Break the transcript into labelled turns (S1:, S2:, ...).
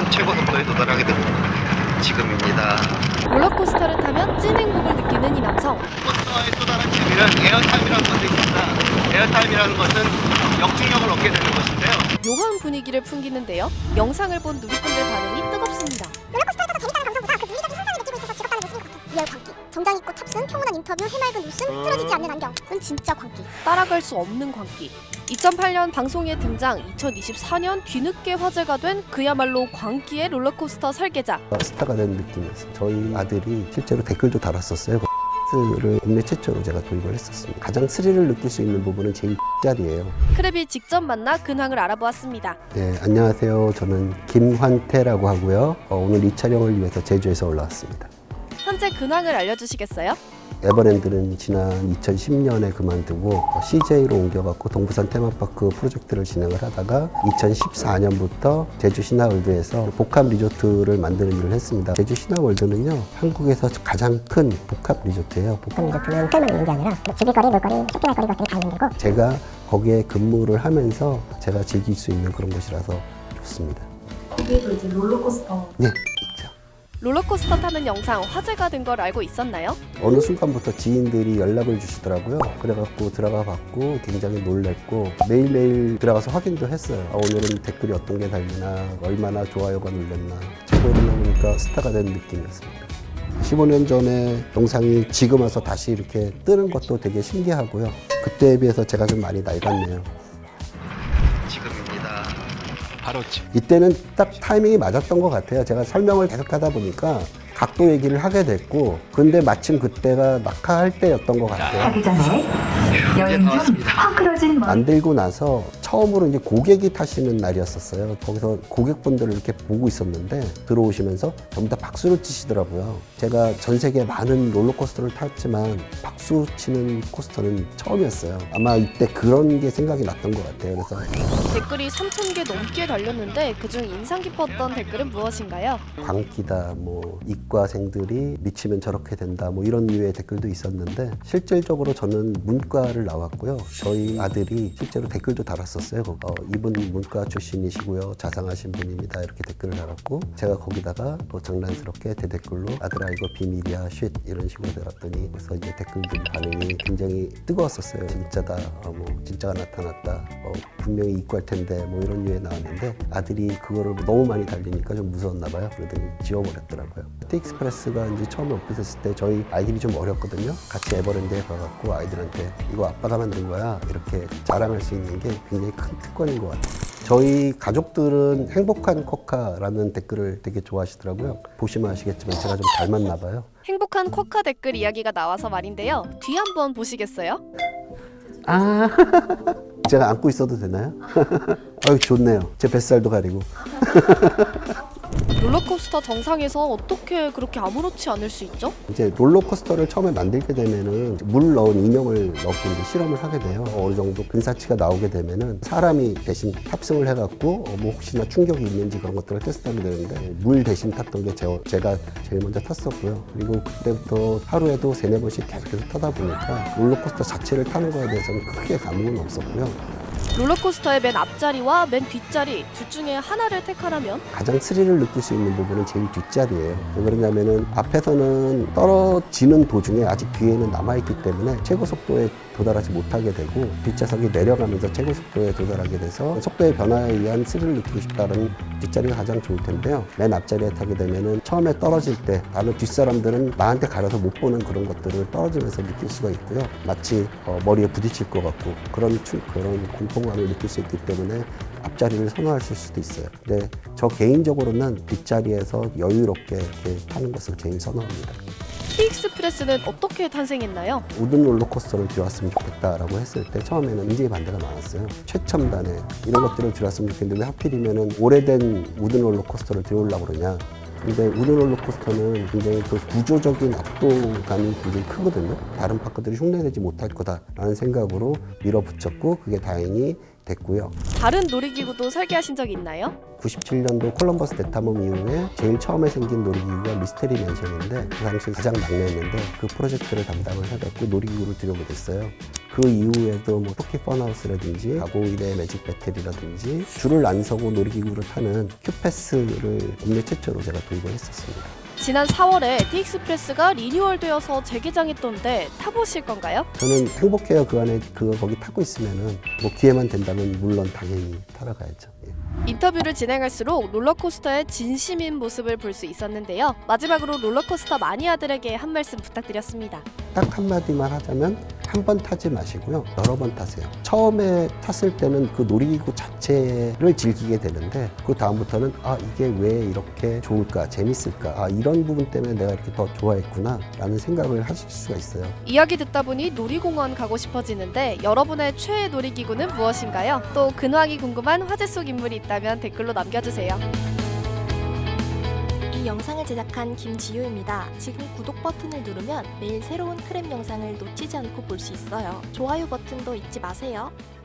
S1: 타면 최고 속도에 도달하게 됩니다. 지금입니다.
S2: 롤러코스터를 타면 찐 행복을 느끼는 이 남성.
S1: 코스터의 또 다른 재미는 에어타임이라는 것이 있습니다. 에어타임이라는 것은 역중력을 얻게 되는 것인데요.
S2: 묘한 분위기를 풍기는데요. 영상을 본 누리꾼들 반응이 뜨겁습니다.
S3: 롤러코스터에서 재밌다는 감성보다 그 물리적인 현상을 느끼고 있어서 즐겁다는 모습인 것 같아요. 리얼 광기, 정장 입고 탑승, 평온한 인터뷰, 해맑은 웃음, 틀어지지 않는 안경은 진짜 광기.
S2: 따라갈 수 없는 광기. 2008년 방송에 등장, 2024년 뒤늦게 화제가 된 그야말로 광기의 롤러코스터 설계자.
S4: 스타가 된 느낌이었어요. 저희 아들이 실제로 댓글도 달았었어요. 를 국내 최초로 제가 도입을 했었습니다. 가장 스릴을 느낄 수 있는 부분은 제일 자리예요.
S2: 크랩이 직접 만나 근황을 알아보았습니다.
S4: 네, 안녕하세요. 저는 김환태라고 하고요. 오늘 이 촬영을 위해서 제주에서 올라왔습니다.
S2: 현재 근황을 알려주시겠어요?
S4: 에버랜드는 지난 2010년에 그만두고 CJ로 옮겨갖고 동부산 테마파크 프로젝트를 진행을 하다가 2014년부터 제주 신화월드에서 복합 리조트를 만드는 일을 했습니다. 제주 신화월드는요, 한국에서 가장 큰 복합 리조트예요.
S3: 복합 리조트는 호텔만 있는 게 아니라 즐길거리, 놀거리, 쇼핑할거리 것들이 다 있는 데고,
S4: 제가 거기에 근무를 하면서 제가 즐길 수 있는 그런 곳이라서 좋습니다.
S5: 거기에도 이제 롤러코스터.
S4: 네, 있죠.
S2: 롤러코스터 타는 영상 화제가 된 걸 알고 있었나요?
S4: 어느 순간부터 지인들이 연락을 주시더라고요. 그래갖고 들어가 봤고 굉장히 놀랬고 매일매일 들어가서 확인도 했어요. 오늘은 댓글이 어떤 게 달리나, 얼마나 좋아요가 눌렸나. 최고를 보니까 스타가 된 느낌이었습니다. 15년 전에 영상이 지금 와서 다시 이렇게 뜨는 것도 되게 신기하고요. 그때에 비해서 제가 좀 많이 낡았네요.
S1: 지금입니다. 바로 지금.
S4: 이때는 딱 타이밍이 맞았던 것 같아요. 제가 설명을 계속 하다 보니까 각도 얘기를 하게 됐고, 근데 마침 그때가 낙하할 때였던 것 같아요.
S5: 하기 전에 여행
S1: 다
S5: 중
S1: 왔습니다.
S5: 헝클어진 머리.
S4: 만들고 나서 처음으로 이제 고객이 타시는 날이었었어요. 거기서 고객분들을 이렇게 보고 있었는데 들어오시면서 전부 다 박수를 치시더라고요. 제가 전 세계 많은 롤러코스터를 탔지만 박수 치는 코스터는 처음이었어요. 아마 이때 그런 게 생각이 났던 것 같아요. 그래서
S2: 댓글이 3,000개 넘게 달렸는데 그중 인상 깊었던 댓글은 무엇인가요?
S4: 광기다, 뭐 이과생들이 미치면 저렇게 된다, 뭐 이런 류의 댓글도 있었는데 실질적으로 저는 문과를 나왔고요. 저희 아들이 실제로 댓글도 달았었어요. 이분 문과 출신이시고요, 자상하신 분입니다, 이렇게 댓글을 달았고, 제가 거기다가 또 장난스럽게 대댓글로 아들아 이거 비밀이야 쉿 이런 식으로 달았더니, 그래서 이제 댓글들 반응이 굉장히 뜨거웠었어요. 진짜다, 뭐 진짜가 나타났다, 분명히 이과일 텐데, 뭐 이런 류에 나왔는데 아들이 그거를 너무 많이 달리니까 좀 무서웠나 봐요. 그러더니 지워버렸더라고요. 티익스프레스가 이제 처음에 오픈했을 때 저희 아이들이 좀 어렸거든요. 같이 에버랜드에 가갖고 아이들한테 이거 아빠가 만든 거야 이렇게 자랑할 수 있는 게 굉장히 큰 특권인 것 같아요. 저희 가족들은 행복한 코카라는 댓글을 되게 좋아하시더라고요. 보시면 아시겠지만 제가 좀 닮았나 봐요.
S2: 행복한 쿼카 댓글 이야기가 나와서 말인데요. 뒤 한번 보시겠어요?
S4: 아, 제가 안고 있어도 되나요? 아유, 좋네요. 제 뱃살도 가리고.
S2: 롤러코스터 정상에서 어떻게 그렇게 아무렇지 않을 수 있죠?
S4: 이제 롤러코스터를 처음에 만들게 되면은 물 넣은 인형을 넣고 이제 실험을 하게 돼요. 어느 정도 근사치가 나오게 되면은 사람이 대신 탑승을 해갖고 뭐 혹시나 충격이 있는지 그런 것들을 테스트하게 되는데, 물 대신 탔던 게 제가 제일 먼저 탔었고요. 그리고 그때부터 하루에도 3-4번씩 계속해서 타다 보니까 롤러코스터 자체를 타는 거에 대해서는 크게 감흥은 없었고요.
S2: 롤러코스터의 맨 앞자리와 맨 뒷자리 둘 중에 하나를 택하라면?
S4: 가장 스릴을 느낄 수 있는 부분은 제일 뒷자리예요. 왜 그러냐면은 앞에서는 떨어지는 도중에 아직 뒤에는 남아있기 때문에 최고 속도에 도달하지 못하게 되고, 뒷좌석이 내려가면서 최고 속도에 도달하게 돼서 속도의 변화에 의한 스릴을 느끼고 싶다는 뒷자리가 가장 좋을 텐데요. 맨 앞자리에 타게 되면은 처음에 떨어질 때 다른 뒷사람들은 나한테 가려서 못 보는 그런 것들을 떨어지면서 느낄 수가 있고요. 마치 머리에 부딪힐 것 같고 그런 공포감을 느낄 수 있기 때문에 앞자리를 선호하실 수도 있어요. 근데 저 개인적으로는 뒷자리에서 여유롭게 이렇게 타는 것을 제일 선호합니다.
S2: 티익스프레스는 어떻게 탄생했나요?
S4: 우든 롤러코스터를 들어왔으면 좋겠다라고 했을 때 처음에는 굉장히 반대가 많았어요. 최첨단에 이런 것들을 들어왔으면 좋겠는데 왜 하필이면은 오래된 우든 롤러코스터를 들어오려고 그러냐. 근데 우든 롤러코스터는 굉장히 그 구조적인 압도감이 굉장히 크거든요. 다른 파크들이 흉내내지 못할 거다라는 생각으로 밀어붙였고, 그게 다행히 됐고요.
S2: 다른 놀이기구도 설계하신 적이 있나요?
S4: 97년도 콜럼버스 대탐험 이후에 제일 처음에 생긴 놀이기구가 미스테리 맨션인데 그 당시 가장 막내였는데 그 프로젝트를 담당을 해갖고 놀이기구를 들여오게 됐어요. 그 이후에도 뭐 토끼 펀하우스라든지 가고일의 매직 배틀이라든지 줄을 안 서고 놀이기구를 타는 큐패스를 국내 최초로 제가 도입을 했었습니다.
S2: 지난 4월에 티익스프레스가 리뉴얼되어서 재개장했던데 타보실 건가요?
S4: 저는 행복해요. 그 안에 거기 타고 있으면은 뭐 기회만 된다면 물론 당연히 타러 가야죠. 예.
S2: 인터뷰를 진행할수록 롤러코스터의 진심인 모습을 볼 수 있었는데요. 마지막으로 롤러코스터 마니아들에게 한 말씀 부탁드렸습니다.
S4: 딱 한마디만 하자면 한 번 타지 마시고요. 여러 번 타세요. 처음에 탔을 때는 그 놀이기구 자체를 즐기게 되는데 그 다음부터는 아 이게 왜 이렇게 좋을까 재밌을까 아 이런 부분 때문에 내가 이렇게 더 좋아했구나 라는 생각을 하실 수가 있어요.
S2: 이야기 듣다 보니 놀이공원 가고 싶어지는데 여러분의 최애 놀이기구는 무엇인가요? 또 근황이 궁금한 화제 속 인물이 있다면 댓글로 남겨주세요.
S6: 이 영상을 제작한 김지효입니다. 지금 구독 버튼을 누르면 매일 새로운 크랩 영상을 놓치지 않고 볼 수 있어요. 좋아요 버튼도 잊지 마세요.